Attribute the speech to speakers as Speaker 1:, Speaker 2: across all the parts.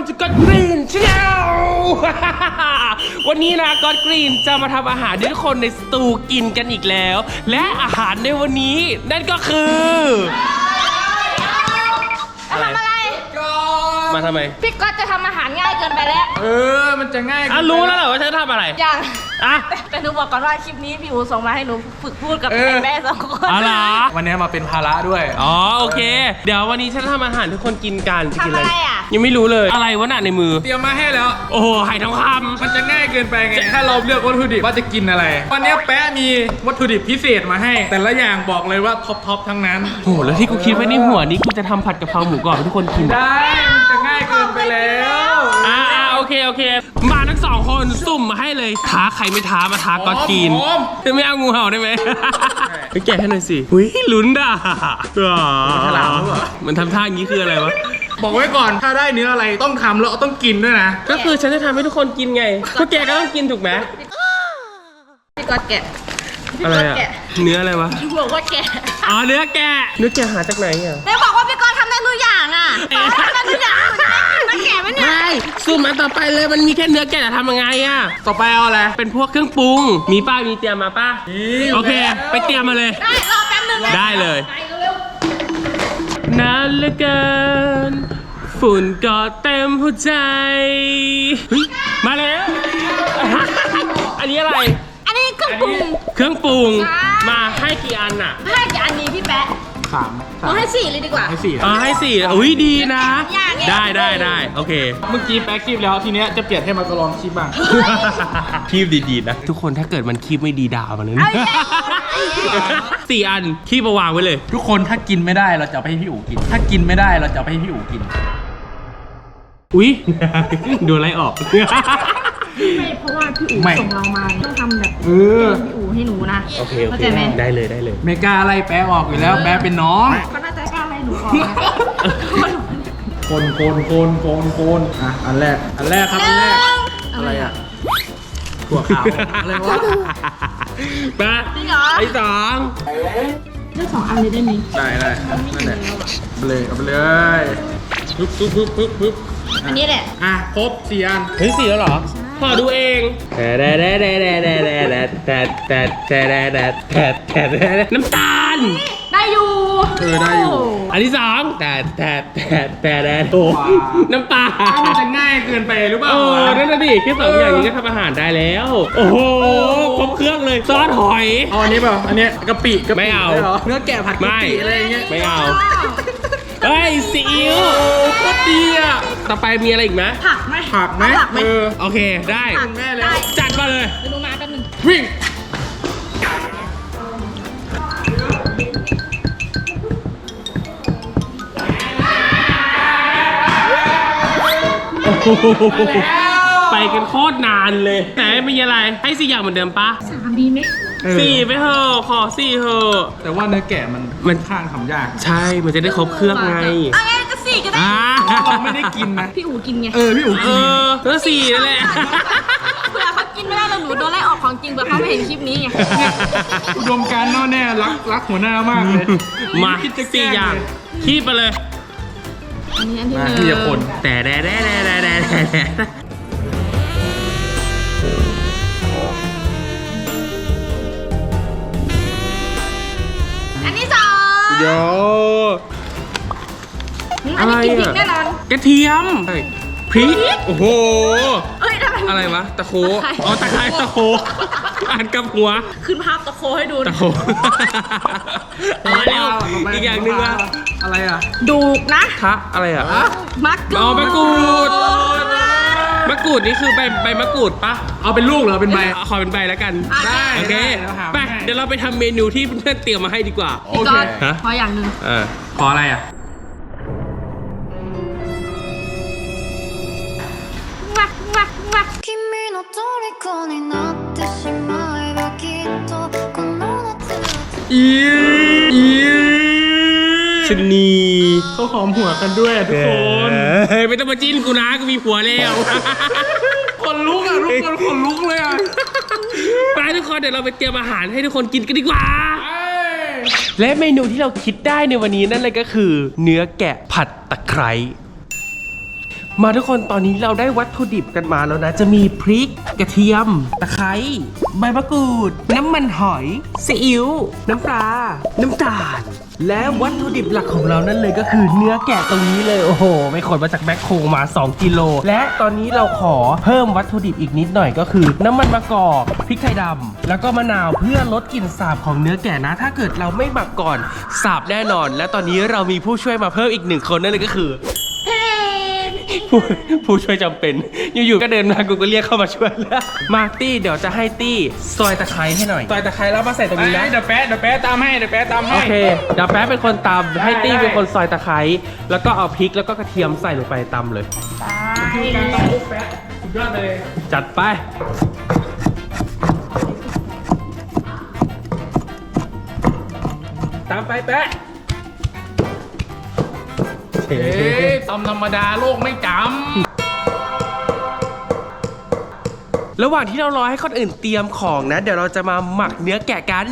Speaker 1: welcome to God Green Channel วันนี้นะ God Green จะมาทำอาหารที่ทุกคนในสตูกินกันอีกแล้วและอาหารในวันนี้นั่นก็คือ
Speaker 2: อะไร
Speaker 1: มาทำไม
Speaker 2: พี่ก๊อตจะทำอาหารง่ายเกินไปแล้ว
Speaker 3: มันจะง่าย
Speaker 1: รู้แล้วเหรอว่าฉันจะทำอะไร
Speaker 2: ยัง
Speaker 1: อ่ะ
Speaker 2: แต่หนูบอกก่อนว่าคลิปนี้พี่อูส่งมาให้หนูฝึกพูดกับแม่สองคน
Speaker 1: อะไร
Speaker 3: วันนี้มาเป็นภาระด้วย
Speaker 1: โอเคเดี๋ยววันนี้ฉันทำอาหารทุกคนกินกันจะกินอะไร
Speaker 2: อ่ะ
Speaker 1: ยังไม่รู้เลยอะไรวะน่ะในมือ
Speaker 3: เตรียมมาให้แล้ว
Speaker 1: โอ้โหไข่ทองค
Speaker 3: ำมันจะง่ายเกินไปไงถ้าเราเลือกวัตถุดิบว่าจะกินอะไรวันนี้แป๊ะมีวัตถุดิบพิเศษมาให้แต่ละอย่างบอกเลยว่าท็อปทั้งนั้น
Speaker 1: โอ้โหแล้วที่กูคิดไว้ในหัวนี้กูจะทำผัดกะเพราหมูกรอบให้ทุกคนกิน
Speaker 3: ได้มันจะง่ายเกินไปแล้ว
Speaker 1: โอเคมาทั้งสองคนสุ่มมาให้เลยท้าใครไม่ท้ามาท้าก็กินไม่เอางูเห่าได้ไหมไปแกะให้หน่อยสิอุ้ยลุ้นด่ามันทำท่าอย่างนี้คืออะไรวะ
Speaker 3: บอกไว้ก่อนถ้าได้เนื้ออะไรต้องทำแล้วต้องกินด้วยนะ
Speaker 1: ก็คือฉันจะทำให้ทุกคนกินไงก็แกก็ต้องกินถูกไหม
Speaker 2: พี่ก๊อตแกะ
Speaker 1: อะไรอะเนื้ออะไรวะ
Speaker 2: บอกว่าแกะ
Speaker 1: เนื้อแกะหาจากไหนอ่ะ
Speaker 2: ได้บอกว่าพี่ก๊อตทำได้ทุกอย่างอ่ะทำได้ทุกอย่างมันแกะไหมเนี่ย
Speaker 1: ไม่สู้มันต่อไปเลยมันมีแค่เนื้อแกะจะทำยังไงอ่ะ
Speaker 3: ต่อไปเอาอะไร
Speaker 1: เป็นพวกเครื่องปรุงมีป้ามีเตรียมมาป้าโอเคไปเตรียมมาเลย
Speaker 2: ได้รอแป๊บนึง
Speaker 1: ได้เลยนานเหลือเกินฝุ่นก็เต็มหัวใจมาแล้วอันนี้อะไร
Speaker 2: อันนี้เครื่องปรุง
Speaker 1: มาให้กี่อันอ่ะ
Speaker 2: ให้กี่อันนี้พี่แป๊ะ3ให้4เลยดีกว่า
Speaker 1: ให้4อุ้ยดีนะได้โอเค
Speaker 3: เมื่อกี้แป๊ะคีบแล้วทีเนี้ยจะเปลี่ยนให้มันก็ลองคีบบ้าง
Speaker 1: คีบดีๆนะทุกคนถ้าเกิดมันคีบไม่ดีด่ามันเลย4 อันคีบมาวางไว้เลย
Speaker 3: ทุกคนถ้ากินไม่ได้เราจะไปให้พี่อู๋กินถ้ากินไม่ได้เราจะไปให้พี่อู๋กิน
Speaker 1: อุ้ยโดนไล่ออก
Speaker 2: ไม่เพราะว่าพี่อู๋ส่งเรามาต้องทำแบบพี่อู๋ให้หนูนะ
Speaker 1: โอเคได้เลย
Speaker 3: ไม่กล้าไล่แป๊ะออกอยู่แล้วแป๊ะเป็นน้อง
Speaker 2: ก็น่าจะกล้าไล่หนูออก
Speaker 3: คนอันแรกครับอะไรอ่ะถั่วขาวอะไรวะ
Speaker 1: มาไอ้
Speaker 2: เลือก2 อันเลยได้ไหม
Speaker 3: ได้นั่นแหละเอาไปเลยปึ๊บ
Speaker 2: อันนี้แหละ
Speaker 3: ครบ4 อัน
Speaker 1: เฮ้ย4แล้วเหรอพอดูเองน้ำตาล
Speaker 2: ได้อยู่
Speaker 3: ได้อยู่
Speaker 1: อันที่2แต่น้ำปลา
Speaker 3: มันจะง่ายเกินไปหรือเปล่า
Speaker 1: นั่นน่ะดิแค่2 อย่างนี้ก็ทำอาหารได้แล้วโอ้โหครบเครื่องเลยซอสหอย
Speaker 3: อันนี้เปล่าอันนี้กะปิ
Speaker 1: ไม่เอา
Speaker 3: เนื้อแกะผัดกะปิอะไรเงี้ย
Speaker 1: ไม่เอาเฮ้ยซีอิ๊วโคตรดีอ่ะต่อไปมีอะไรอีกไหม
Speaker 2: ผักไหม
Speaker 1: โอเคได้จัดมาเลย
Speaker 2: ดูมาแป๊บนึง
Speaker 3: วิ่ง
Speaker 1: ไปกันโคตรนานเลยแต่ไม่มีอะไรให้4 อย่างเหมือนเดิมปะ
Speaker 2: 3ดีไหม
Speaker 1: 4ไปเถอะขอ4เถอะ
Speaker 3: แต่ว่าเนื้อแกะมันข้างทำยาก
Speaker 1: ใช่มันจะได้ครบเครื่องไง
Speaker 2: ก็4ก็ได้
Speaker 3: เราไม่ได้กินนะ
Speaker 2: พี่อู๋กินไง
Speaker 3: พี่อู๋กิน
Speaker 1: แล้ว4นั่นแหละ
Speaker 2: เผื่อเขากินไม่ได้แล้วหนูโดนไล่ออกของจริงเผื่อเขาไม่เห็นคลิปนี้ไง
Speaker 3: อุดมการณ์แน่แน่รักหัวหน้ามากเลย
Speaker 1: มา4 อย่างคีบไปเลย
Speaker 2: อันนี้
Speaker 3: ที่จะคน
Speaker 1: แต่
Speaker 2: อันที่2
Speaker 1: โย
Speaker 2: อะไรอ่ะ
Speaker 1: กระเทียมพริกโอ้โหอะไรวะตะโคตะไคร้ตะโคอ่านกับหัว
Speaker 2: ขึ้นภาพตะโคให้ดู
Speaker 1: ตะโคมาแล้วอีกอย่างหนึ่งว่า
Speaker 3: อะไรอ่ะ
Speaker 2: ดูนะ
Speaker 1: อะไรอ่ะ
Speaker 2: มะกรูด
Speaker 1: มะกรูดนี่คือใบมะกรูดปะ
Speaker 3: เอาเป็นลูกเหรอเป็นใบ
Speaker 1: ขอเป็นใบแล้วกัน
Speaker 3: ได้
Speaker 1: โอเคไปเดี๋ยวเราไปทำเมนูที่เพื่อนเตรียมมาให้ดีกว่า
Speaker 2: โอเคขออย่างหนึ่ง
Speaker 1: ขออะไรอ่ะชนี
Speaker 3: เขาหอมหัวกันด้วยทุกคน
Speaker 1: ไม่ต้องมาจิ้นกูนะกูมีผัวแล้ว
Speaker 3: คนลุกอ่ะทุกคนคนลุกเลยอ่ะ
Speaker 1: ไปทุกคนเดี๋ยวเราไปเตรียมอาหารให้ทุกคนกินกันดีกว่าและเมนูที่เราคิดได้ในวันนี้นั่นเลยก็คือเนื้อแกะผัดตะไคร้มาทุกคนตอนนี้เราได้วัตถุดิบกันมาแล้วนะ จะมีพริกกระเทียมตะไคร้ใบมะกรูด น้ำมันหอยซีอิ๊วน้ำปลาน้ำตาล และวัตถุดิบหลักของเรานั่นเลยก็คือเนื้อแกะตรงนี้เลยโอ้โหไม่ขนมาจากแบ็คโคมา2 กิโลและตอนนี้เราขอเพิ่มวัตถุดิบอีกนิดหน่อยก็คือ น้ำมันมะกอกพริกไทยดำแล้วก็มะนาวเพื่อลดกลิ่นสาบของเนื้อแกะนะ ถ้าเกิดเราไม่หมักก่อนสาบแน่นอน และตอนนี้เรามีผู้ช่วยมาเพิ่มอีก1 คนนั่นเลยก็คือ ผู้ช่วยจำเป็นอยู่ๆก็เดินมากูก็เรียกเข้ามาช่วยแล้วมาตี้เดี๋ยวจะให้ตี้ซอยตะไคร้ให้หน่อยซอยตะไคร้แล้วมาใส่ตรงนี้นะ
Speaker 3: เดี๋ยวแป๊ะตามให้เดี๋ยวแป๊ะตามให้
Speaker 1: โอเคเดี๋ยวแป๊บเป็นคนตำให้ตี้เป็นคนซอยตะไคร้แล้วก็เอาพริกแล้วก็กระเทียมใส่ลงไปตำเลย
Speaker 3: คือการตามปุ๊บแป๊ะสุดยอดเลย
Speaker 1: จัดไปตามไปแป๊ะ
Speaker 3: เอ๊ะตำธรรมดาโลกไม่จ
Speaker 1: ระหว่างที่เรารอให้คนอื่นเตรียมของนะ เดี๋ยวเราจะมาหมักเนื้อแกะกัน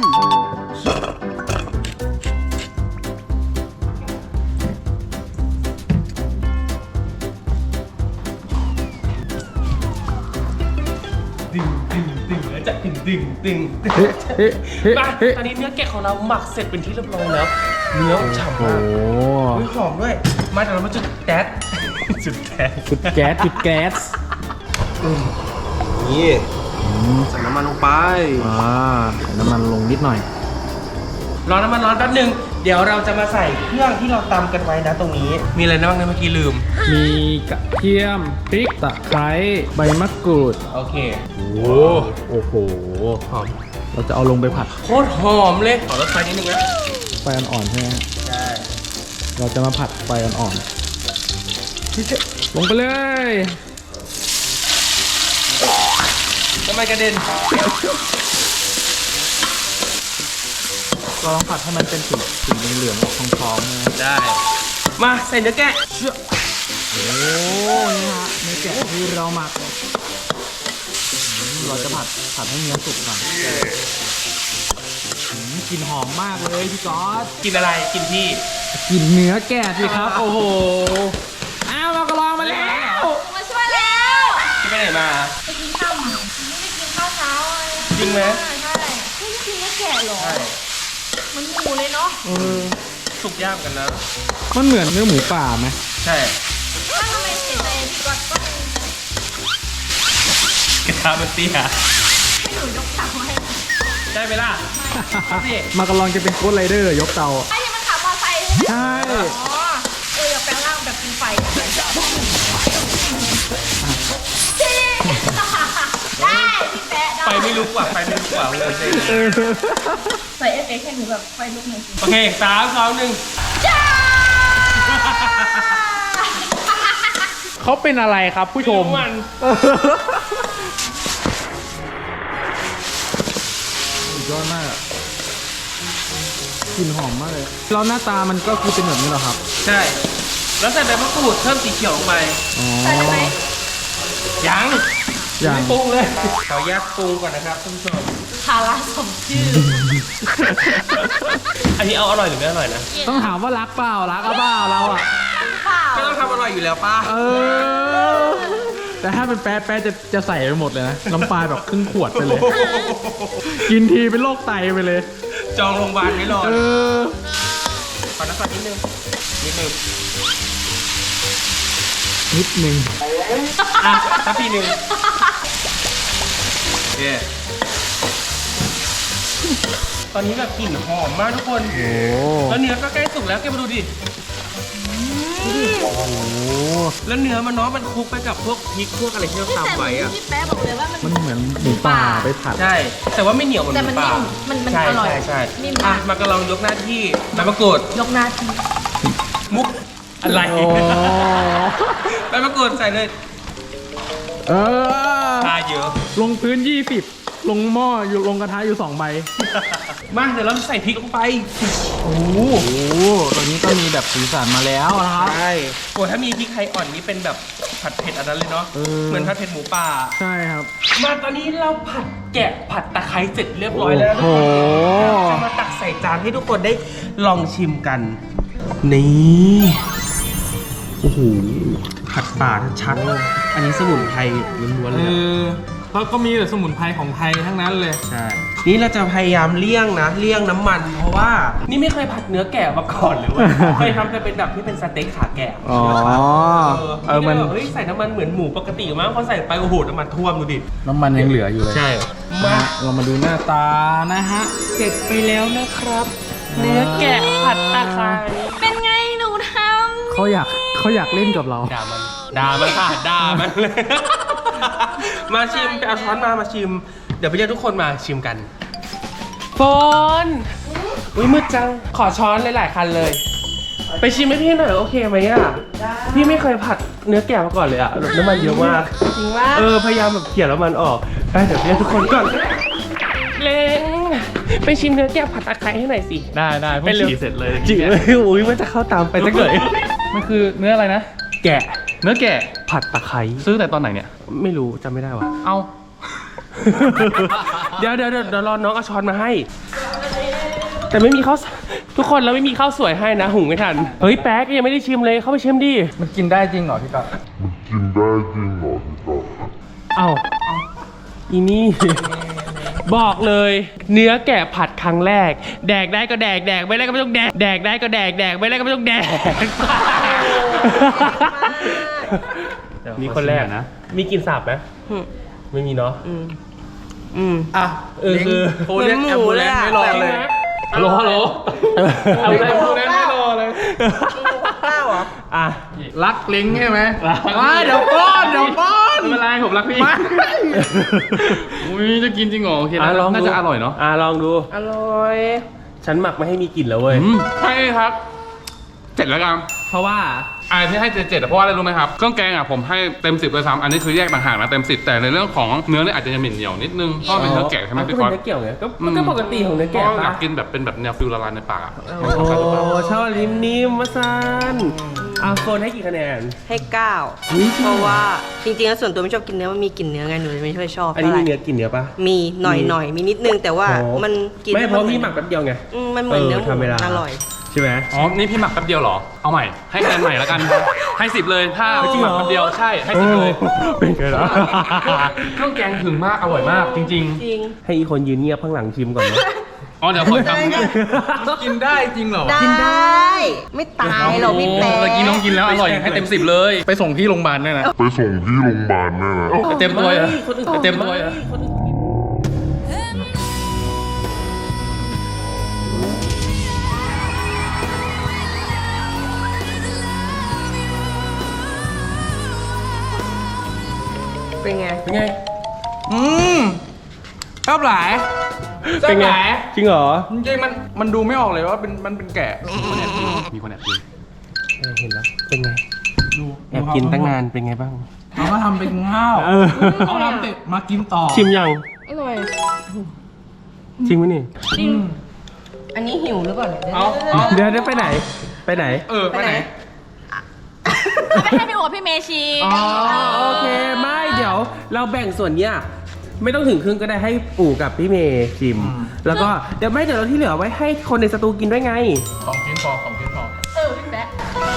Speaker 1: ดึงแล้วจะดึงมาตอนนี้เนื้อแกะของเราหมักเสร็จเป็นที่เรียบร้อยแล้ว เนื้อฉ่ำมากอุ๊ยหอมด้วยมาเดี๋ยวเรามาจุดแก๊สจุดแก๊ส
Speaker 3: จุดแก๊ส
Speaker 1: นี่ใส่น้ำมันลงไป
Speaker 3: ใส่น้ำมันลงนิดหน่อย
Speaker 1: รอน้ำมันร้อนแป๊บนึง เดี๋ยวเราจะมาใส่เครื่องที่เราตำกันไว้นะตรงนี้ มีอะไรนะบ้างนะเมื่อกี้ลืม
Speaker 3: มีกระเทียมพริกตะไคร้ใบมะกรูด
Speaker 1: โอเค
Speaker 3: โอ้โห
Speaker 1: หอม
Speaker 3: เราจะเอาลงไปผัด
Speaker 1: โคตรหอมเลยขอรสไฟนิดนึงนะ
Speaker 3: ไฟอ่อนๆใช่ไหม
Speaker 1: ใช่
Speaker 3: เราจะมาผัดไฟอ่อนๆลงไปเลย
Speaker 1: ทำไมกระเด็น
Speaker 3: เราลองผัดให้มันเป็นสีเหลืองๆออกทองๆนะ
Speaker 1: ได้ มาใส่เนื้อแกะ
Speaker 3: โอ้นี่ฮะเนื้อแกะที่เราหมักเราจะผัดให้เนื้อสุกก่อนกลิ่นหอมมากเลยพี่ก๊อต
Speaker 1: กินอะไรกินพี่
Speaker 3: กลิ่นเนื้อแกะสิครับ โอ้โหอ้าวเราก็ลองมาแล้ว
Speaker 2: มาช่วยแล้ว
Speaker 1: พี่ไปไหนมา
Speaker 2: ไปกินข้าวไม่ได้กินข้าวเช้าเลย
Speaker 1: จริงไหม
Speaker 2: ใช่ไม่ได้กินเนื้อแกะเหรอ มันหมูเลยเนาะ
Speaker 1: สุกยากกันนะ
Speaker 3: มันเหมือนเนื้อหมูป่าไหม
Speaker 1: ใช่
Speaker 2: ถ้าทำไมเสียใจพี่ก๊อตก็
Speaker 1: กระทะมันเตี้ย
Speaker 2: ให้หนูยกถังให้
Speaker 1: ได้ไหมล่ะนี่
Speaker 3: มากำลังจะเป็นโค้ดไรเดอร์ยกเตา
Speaker 2: ไอ้ยังมันขับมอไซค์ใช่ไหม
Speaker 3: ใช่
Speaker 2: อ๋ออย่าแปลงร่างแบบเป็นไฟได้พี่แปะได้
Speaker 1: ไฟไม่ลุกว่ะไฟไม่ลุกว่ะเลย
Speaker 2: ใส่เอฟเฟกต์ให้หนูแบบไฟลุกหน่อยสิ
Speaker 1: โอเค3 2 1
Speaker 2: จ้า
Speaker 3: เขาเป็นอะไรครับผู้ชม
Speaker 1: มัน
Speaker 3: สุดยอดมากอะกลิ่นหอมมากเลยแล้วหน้าตามันก็คือเป็นแบบนี้เหรอครับ
Speaker 1: ใช่ แล้วใส่ใบมะกรูดเพิ่มสีเขียวลงไป
Speaker 3: อ๋อ
Speaker 2: ใส่ไหม
Speaker 1: ยัง
Speaker 3: ยัง
Speaker 1: ไม่ปรุงเลยขอแยกปรุงก่อนนะครับท่านผู้ชม
Speaker 2: ทาราสมชื่อ
Speaker 1: อันนี้เอาอร่อยหรือไม่อร่อยนะ
Speaker 3: ต้องถามว่ารักเปล่ารักหรือเปล่าเราอ่ะ
Speaker 2: เปล่า
Speaker 1: ก็ต้องทำอร่อยอยู่แล้วป้า
Speaker 3: เออ แต่ถ้าเป็นแป๊ะจะใส่ไปหมดเลยนะ น้ำปลาแบบครึ่งขวดไปเลย กินทีเป็นโรคไตไปเลย
Speaker 1: จองโรงพยาบาลไว้รอ
Speaker 3: เออ
Speaker 1: ขอน้ำตาลนิดนึงนิดนึง
Speaker 3: นิดนึง
Speaker 1: อ่ะถ้าพี่หนึ่งโอเคตอนนี้แบบกลิ่นหอมมากทุกคน
Speaker 3: โอ้
Speaker 1: แล้วเนื้อก็ใกล้สุกแล้วแกมาดูดิ
Speaker 3: โห
Speaker 1: แล้วเนื้อมันเนาะมันคลุกไปกับพวกพริกพวกอะไรที่เรา
Speaker 2: แต่
Speaker 1: ตำไว้อะ
Speaker 2: พี่แป๊ะบอกเลยว่ามัน
Speaker 3: มันเหมือนหมูป่าไปผัด
Speaker 1: ใช่ แต่ว่าไม่เหนียวเหมือน
Speaker 2: แต่
Speaker 1: ห
Speaker 2: มัน
Speaker 1: มูป่า
Speaker 2: นิ่มมัน
Speaker 1: ใช่
Speaker 2: อร่อย
Speaker 1: ใช่ใช่
Speaker 2: นิ่ม
Speaker 1: อ่ะ
Speaker 2: มาก
Speaker 1: มากระลองยกหน้าที่ใบมะกรูด
Speaker 2: ยกหน้าที
Speaker 1: มุกอะไร
Speaker 3: โอ้
Speaker 1: ใบมะกรูดใส่เลย
Speaker 3: เออ
Speaker 1: ทาเยอะ
Speaker 3: ลงพื้น 20 ลงหม้ออยู่ลงกระทะอยู่ 2 ใบ
Speaker 1: มาเดี๋ยวเราใส่พริกลงไป
Speaker 3: โอ้โหตอนนี้ก็มีแบบสีสันมาแล้วนะครับ
Speaker 1: ใช่โอ้ถ้ามีพริกไทยอ่อนนี่เป็นแบบผัดเผ็ดอันนั้นเลยเนาะ
Speaker 3: เออ
Speaker 1: เหมือนผัดเผ็ดหมูป่า
Speaker 3: ใช่ครับ
Speaker 1: มาตอนนี้เราผัดแกะผัดตะไคร้เสร็จเรียบร้อยแล้ว
Speaker 3: โอ้โห
Speaker 1: จะมาตักใส่จานให้ทุกคนได้ลองชิมกัน นี่โอ้โหผัดป่าชัดๆเลยอันนี้สมุนไพรล้วนๆเลยอะ
Speaker 3: แล้วก็มีแต่สมุนไพรของไทยทั้งนั้นเลย
Speaker 1: ใช่ นี่เราจะพยายามเลี่ยงนะ เลี่ยงน้ำมัน เพราะว่านี่ไม่เคยผัดเนื้อแกะมาก่อนเลยเว้ย เคยทำแต่เป็นแบบที่เป็นสเต็กขาแกะ
Speaker 3: อ๋อ
Speaker 1: มันเฮ้ยใส่น้ำมันเหมือนหมูปกติมั้งพอใส่ไปโอ้โหน้ำมันท่วมดูดิ
Speaker 3: น้ำมันยังเหลืออยู่เลย
Speaker 1: ใช่
Speaker 3: มาเรามาดูหน้าตานะฮะ
Speaker 1: เสร็จไปแล้วนะครับ เนื้อแกะผัดตะไคร้
Speaker 2: เป็นไงหนูท
Speaker 3: เขาอยากเล่นกับเรา
Speaker 1: ด่ามันค่ะด่ามันเลย มาชิมไปเอาช้อนมาชิม เดี๋ยวไปเรียกทุกคนมาชิมกันโฟนอุ้ยมืดจัง ขอช้อนหลายๆคันเลย ไปชิมให้พี่หน่อยโอเคไหมอ่ะพี่ไม่เคยผัดเนื้อแกะมาก่อนเลยอ่ะน้ำมันเยอะมาก
Speaker 2: ำจริงว่า
Speaker 1: พยายามแบบเขี่ยน้ำมันออกไปเดี๋ยวเรียกทุกคนก่อนเล้งไปชิมเนื้อแกะผัดตะไคร้ให้หน่อยสิ
Speaker 3: ได้เพิ่งฉี่เสร็จเลย
Speaker 1: จริงเลยอุ้ยมันจะเข้าตามไปสักหน่อย
Speaker 3: มันคือเนื้ออะไรนะ
Speaker 1: แกะ
Speaker 3: เนื้อแกะ
Speaker 1: ผัดตะไคร้
Speaker 3: ซื้อแต่ตอนไหนเนี่ย
Speaker 1: ไม่รู้จำไม่ได้ว่ะ
Speaker 3: เอา
Speaker 1: เดี๋ยวรอน้องเอาช้อนมาให้ แต่ไม่มีข้าวทุกคนเราไม่มีข้าวสวยให้นะหุงไม่ทันเฮ้ยแป๊กยังไม่ได้ชิมเลยเข้าไปชิมดิ
Speaker 3: มันกินได้จริงเหรอพี่ก๊อฟ
Speaker 1: เอ้าอีนี่ บอกเลย เนื้อแกะผัดครั้งแรก แดกได้ก็แดกไม่ได้ก็ไม่ต้องแดกแดกได้ก็แดกไม่ได้ก็ไม่ต้องแดกมีคนแรกนะมีกลินสาบไหมไม่มีเนาะ
Speaker 3: อ่ะคือโทรเรียกแอมบูเลนซ์ไม่รอเลยฮัลโหลแอมบูเลนซ์ไม่รอเลย
Speaker 2: ข้าวเหรอ
Speaker 1: อ่ะ
Speaker 3: รักลิงใช่ไหมเดี๋ยวป้อนไม่เป็นไรผมรักพี่อุ้ยจะกินจริงเหรอโอเคน่าจะอร่อยเนาะ
Speaker 1: ลองดู
Speaker 2: อร่อย
Speaker 1: ฉันหมักไม่ให้มีกลิ่นแล้วเว้ย
Speaker 4: ใช่ครับ7แล้วกัน
Speaker 1: เพราะว่า
Speaker 4: ที่ให้7เพราะว่าอะไรรู้ไหมครับเครื่องแกงอ่ะผมให้เต็ม10เลยซ้ำอันนี้คือแยกต่างหากนะเต็ม10แต่ในเรื่องของเนื้อเนี่ยอาจจะยังเหม็นเหนียวนิดนึงเพราะเป็นเนื้อแกะใช่ไหม
Speaker 1: ก็
Speaker 4: พี่
Speaker 1: เป็
Speaker 4: ก๊อฟ
Speaker 1: นเนื้อเกี่ยวไงก็ปกติของเนื้อ
Speaker 4: เพ
Speaker 1: แกะ
Speaker 4: ราะอยา
Speaker 1: ปะ
Speaker 4: กกินแบบเป็นแบบแนวฟิลละลายในปากอะ
Speaker 1: โอ้ชอบลิ้มนิ่มมาซันโฟนให้กี่คะแนน
Speaker 5: ให้9เพราะว่าจริงๆแล้วส่วนตัวไม่ชอบกินเนื้อมันมีกลิ่นเนื้อไงหนูเลยไม่ค่อยชอบ
Speaker 1: อันนี้
Speaker 5: เท่าไห
Speaker 1: มี
Speaker 5: ร่
Speaker 1: เนื้อกินเนื้อปะ
Speaker 5: มีหน่อยมีนิดนึงแต่ว่า
Speaker 1: โอ้
Speaker 5: มันกิน
Speaker 1: ไม่เพ
Speaker 5: แล้ว
Speaker 1: ราะพี่หมักแป๊บเดียวไง
Speaker 5: มันเหมือนเนื้อหมู
Speaker 1: ทำเวลา
Speaker 5: อร่อย
Speaker 1: ใช่ไหม
Speaker 4: อ๋อนี่พี่หมักแป๊บเดียวเหรอเอาใหม่ให้คะแนนใหม่แล้วกันให้10เลยถ้า
Speaker 1: จริงเหรอ
Speaker 4: หมักแป๊บเดียวใช่ให้10เลย
Speaker 1: เป็นไงล่ะ
Speaker 4: เครื่องแกงถึงมากอร่อยมากจริง
Speaker 5: จริง
Speaker 1: ให้อีคนยืนเงียบข้างหลังชิมก่อนนะ
Speaker 4: ๆอ๋อเดี๋ยวขอทำ
Speaker 3: กินได้จริงเหรอ
Speaker 5: ได้ ไม่ตายหรอกพี่แป๊ะ
Speaker 4: เมื่อกี้น้องกินแล้วอร่อยให้เต็ม10เลย
Speaker 3: ไปส่งที่โรงพยาบาลด้วยนะ
Speaker 4: เต็มตัวเลย
Speaker 1: คนอื่น
Speaker 4: เต็มตัวเลย
Speaker 1: คนอื่น
Speaker 5: เป็นไง
Speaker 1: เป็นไง
Speaker 3: ชอบหลาย
Speaker 1: เป็นไง จริงเหรอ
Speaker 3: จริงๆมันดูไม่ออกเลยว่ามันเป็นแกะ
Speaker 4: มีคนแอบกิน
Speaker 1: เห็นแล้ว เป็นไง แอบกินตั้งนานเป็นไงบ้าง
Speaker 3: เขาก็ทำเป็นข้าว
Speaker 1: เออ
Speaker 3: เขาทำเสร็จมากินต่อ
Speaker 1: ชิมยัง
Speaker 2: อร่อย
Speaker 1: จริงไหมนี่
Speaker 2: จริง
Speaker 5: อันนี้หิวหรือเปล่าเนี่ย
Speaker 1: เดี๋ยวไปไหน ไปไหน
Speaker 3: ไปไหน
Speaker 2: เอาไปให้พี่โอ๋พี่เมชี
Speaker 1: อ๋อโอเคไม่เดี๋ยวเราแบ่งส่วนเนี้ยไม่ต้องถึงครึ่งก็ได้ให้ปู่กับพี่เมย์ชิม แล้วก็เดี๋ยวเราที่เหลือไว้ให้คนในสตูกินด้วยไง
Speaker 3: 2 ชิ้นพอ
Speaker 2: เออพี่แบ๊ะ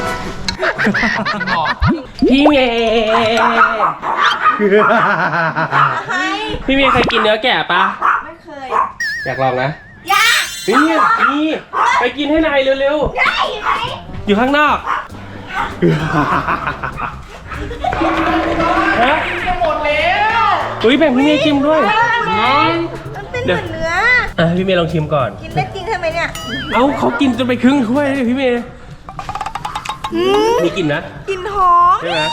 Speaker 1: พี่เมย์พี่เมย์เคยกินเนื้อแกะปะ
Speaker 5: ไม่เคย
Speaker 1: อยากลองนะนี่ไปกินให้นายเร็วๆอยู่ข้างนอกฮะหมดแล้วอุ้ยแบ่งพี่เมย์ชิมด้วย
Speaker 5: มันเป็นเหมือนเนื้อ
Speaker 1: พี่เมย์ลองชิมก่อน
Speaker 5: กินได้จริงใช่ไหมเนี่ย
Speaker 1: เอ้าเขากินจนไปครึ่งถ้วยเลยพี่เมย์มีกลิ่นนะ
Speaker 5: กลิ่นหอม
Speaker 1: ใช่ไหม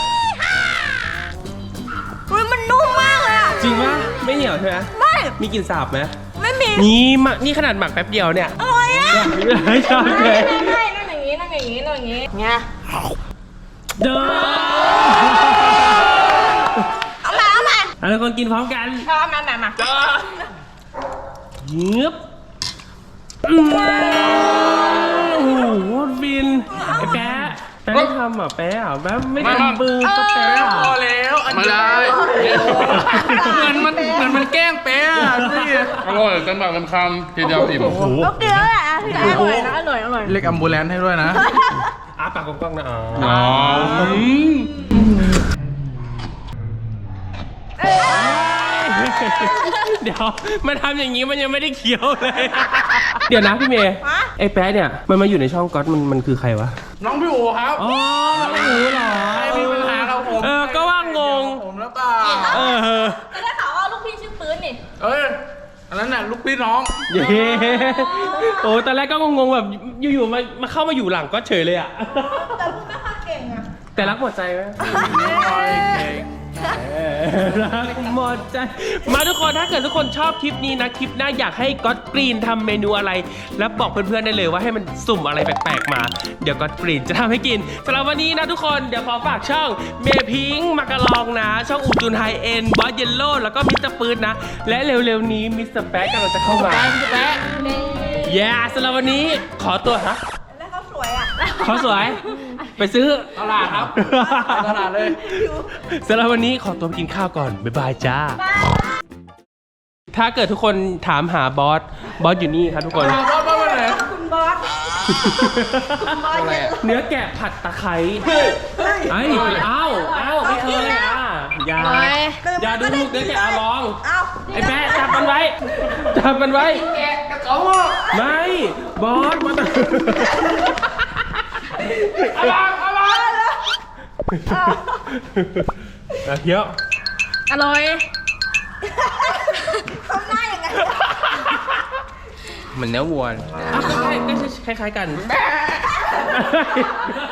Speaker 5: อุ๊ยมันนุ่มมากเลยอ่ะ
Speaker 1: จริงปะไม่เหนียวใช่ไหม
Speaker 5: ไม่
Speaker 1: มีกลิ่นสาบไหม
Speaker 5: ไม่มี
Speaker 1: นี่ขนาดหมักแป๊บเดียวเนี่ย
Speaker 5: อร่อยอ่ะ
Speaker 1: ชอบเลย
Speaker 2: นั่นอย่างนี้นั่นอย่างนี้นั่นอย่างนี้
Speaker 5: ไง
Speaker 1: เด้อ
Speaker 5: เอามา
Speaker 1: ทุกคนกินพร้อมกัน
Speaker 2: ชอบมา
Speaker 1: เงียบโอ้โหโคตรฟินไอ้แป๊ะไม่ทำอ่ะแป๊ะอ่ะแป๊ะไม่ทำมือก็แป๊ะอ่ะ
Speaker 3: พอแล้วอัน
Speaker 4: ไม่ได้
Speaker 3: เหมือนมันแกล้งเป๊ะอะนี่
Speaker 4: อร่อยกันแบบกันคำทีเดียวอิ่ม
Speaker 5: โอเคแล้วแหละพี่
Speaker 2: อร่อยนะอร่อย
Speaker 3: เรียกแอมบูเลนซ์ให้ด้วยนะ
Speaker 1: อ้าปากกว้างๆนะอ๋อ
Speaker 4: อ๋อ
Speaker 1: เดี๋ยวมันทำอย่างนี้มันยังไม่ได้เคี้ยวเลย เดี๋ยวนะพี่เมย์ไอ้แป๊ะเนี่ยมันมาอยู่ในช่องก๊อตมันคือใครวะ
Speaker 3: น้องพี่อู๋ครับ
Speaker 1: อ๋อไม่รู้เหรอ
Speaker 3: ใครมีปัญหากับผม
Speaker 1: ก็ว่างง
Speaker 3: ผมแล้วเปล่า
Speaker 2: แต่ได้ข่าวว่าลูกพี่ชื่อปืนนี่
Speaker 3: เอ้ยอันนั้นน่ะลูกพี่น้อง
Speaker 1: เย้โอ้ตอนแรกก็งงๆแบบอยู่ๆมาเข้ามาอยู่หลังก็เฉยเลยอ่ะ
Speaker 2: แต่พูดไม่ค่อยเก่งอะ
Speaker 1: แต่รักหมดใจไหมรักหมดใจ มาทุกคนถ้าเกิดทุกคนชอบคลิปนี้นะ คลิปหน้าอยากให้ก๊อตกรีนทำเมนูอะไร แล้วบอกเพื่อนๆได้เลยว่าให้มันสุ่มอะไรแปลกๆมา เดี๋ยวก๊อตกรีนจะทำให้กินสำหรับวันนี้นะทุกคนเดี๋ยวขอฝากช่องเมพิงค์มากะลองนะ ช่องอูจุนไฮเอ็นบอสเยลโล่แล้วก็มิสเตอร์ปืนนะ และเร็วๆนี้มิสเตอร์แป๊ะกำลังจะเข้ามาแย่สำหรับวันนี้ขอตัวฮะ
Speaker 2: แล้วเขาสวยอะ
Speaker 1: เขาสวย ไปซื้อ
Speaker 3: ตลาดครับตลาดเลย
Speaker 1: สำหรับวันนี้ขอตัวไปกินข้าวก่อน บ๊ายบายจ้า ถ้าเกิดทุกคนถามหาบอสอยู่นี่ครับทุกคน
Speaker 3: บ้านไหน
Speaker 2: คุณบอส
Speaker 1: เนื้อแกะผัดตะไคร้ไอ้อ้าวไม่เคยอ่ะอย่าดูเนื้อแกะลอง ไอ้แป๊ะจับมันไว้
Speaker 3: แกะกระเก๋าอ่ะ
Speaker 1: ไม่ บอสมาเฮีย
Speaker 2: อร่อย
Speaker 1: เหมือนเนื้อวัวก็คล้ายๆกัน